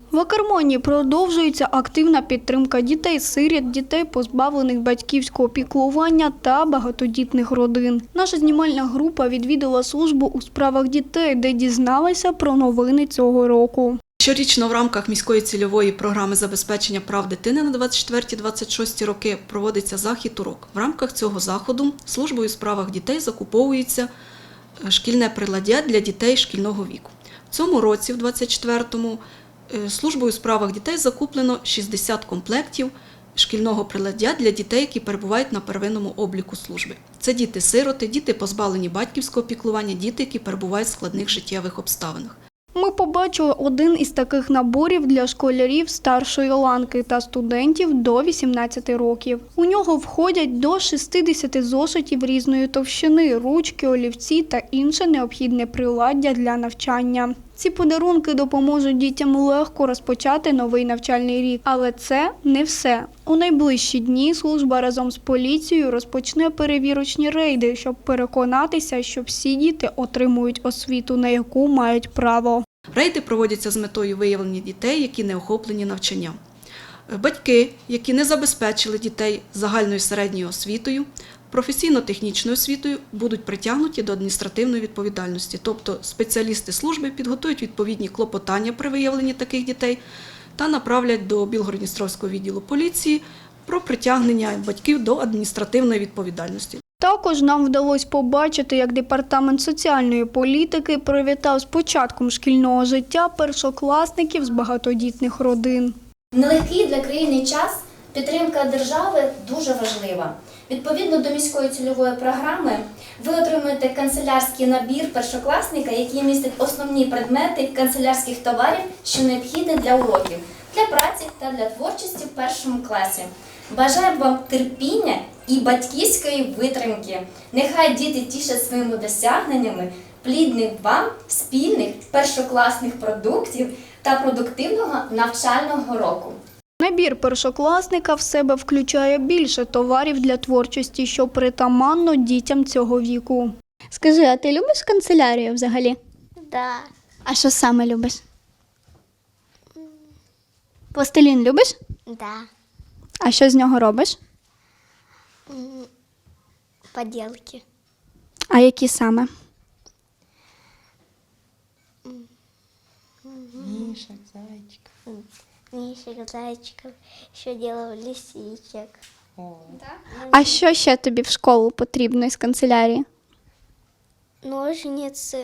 В Акермані продовжується активна підтримка дітей-сиріт, дітей, позбавлених батьківського піклування та багатодітних родин. Наша знімальна група відвідала службу у справах дітей, де дізналася про новини цього року. Щорічно в рамках міської цільової програми забезпечення прав дитини на 24-26 роки проводиться захід «Урок». В рамках цього заходу службою у справах дітей закуповується шкільне приладдя для дітей шкільного віку. В цьому році, в 24-му, службою у справах дітей закуплено 60 комплектів шкільного приладдя для дітей, які перебувають на первинному обліку служби. Це діти-сироти, діти, позбавлені батьківського піклування, діти, які перебувають в складних життєвих обставинах. Ми побачили один із таких наборів для школярів старшої ланки та студентів до 18 років. У нього входять до 60 зошитів різної товщини, ручки, олівці та інше необхідне приладдя для навчання. Ці подарунки допоможуть дітям легко розпочати новий навчальний рік. Але це не все. У найближчі дні служба разом з поліцією розпочне перевірочні рейди, щоб переконатися, що всі діти отримують освіту, на яку мають право. Рейди проводяться з метою виявлення дітей, які не охоплені навчанням. Батьки, які не забезпечили дітей загальною середньою освітою, професійно-технічною освітою, будуть притягнуті до адміністративної відповідальності. Тобто спеціалісти служби підготують відповідні клопотання при виявленні таких дітей та направлять до Білгород-Дністровського відділу поліції про притягнення батьків до адміністративної відповідальності. Також нам вдалося побачити, як Департамент соціальної політики привітав з початком шкільного життя першокласників з багатодітних родин. В нелегкий для країни час підтримка держави дуже важлива. Відповідно до міської цільової програми, ви отримуєте канцелярський набір першокласника, який містить основні предмети канцелярських товарів, що необхідні для уроків, для праці та для творчості в першому класі. Бажаємо вам терпіння і батьківської витримки. Нехай діти тішать своїми досягненнями, плідних вам спільних першокласних продуктів та продуктивного навчального року. Набір першокласника в себе включає більше товарів для творчості, що притаманно дітям цього віку. Скажи, а ти любиш канцелярію взагалі? Да. А що саме любиш? Пластилін любиш? Да. А що з нього робиш? Поделки. А які саме? Мишек, зайчиков. Мишек, зайчиков, еще делал лисичек. О. А що ще тобі в школу потрібно із канцелярії? Ножницы,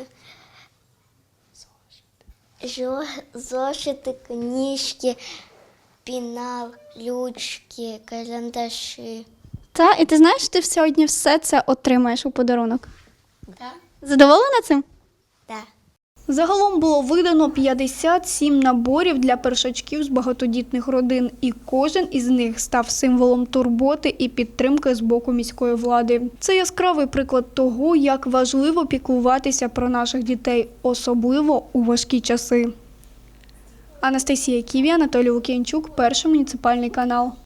зошиты, книжки, пенал, ручки, карандаши. Та, і ти знаєш, ти сьогодні все це отримаєш у подарунок? Да? Задоволена цим? Да. Загалом було видано 57 наборів для першачків з багатодітних родин, і кожен із них став символом турботи і підтримки з боку міської влади. Це яскравий приклад того, як важливо піклуватися про наших дітей, особливо у важкі часи. Анастасія Ківі, Анатолій Лук'янчук, Перший муніципальний канал.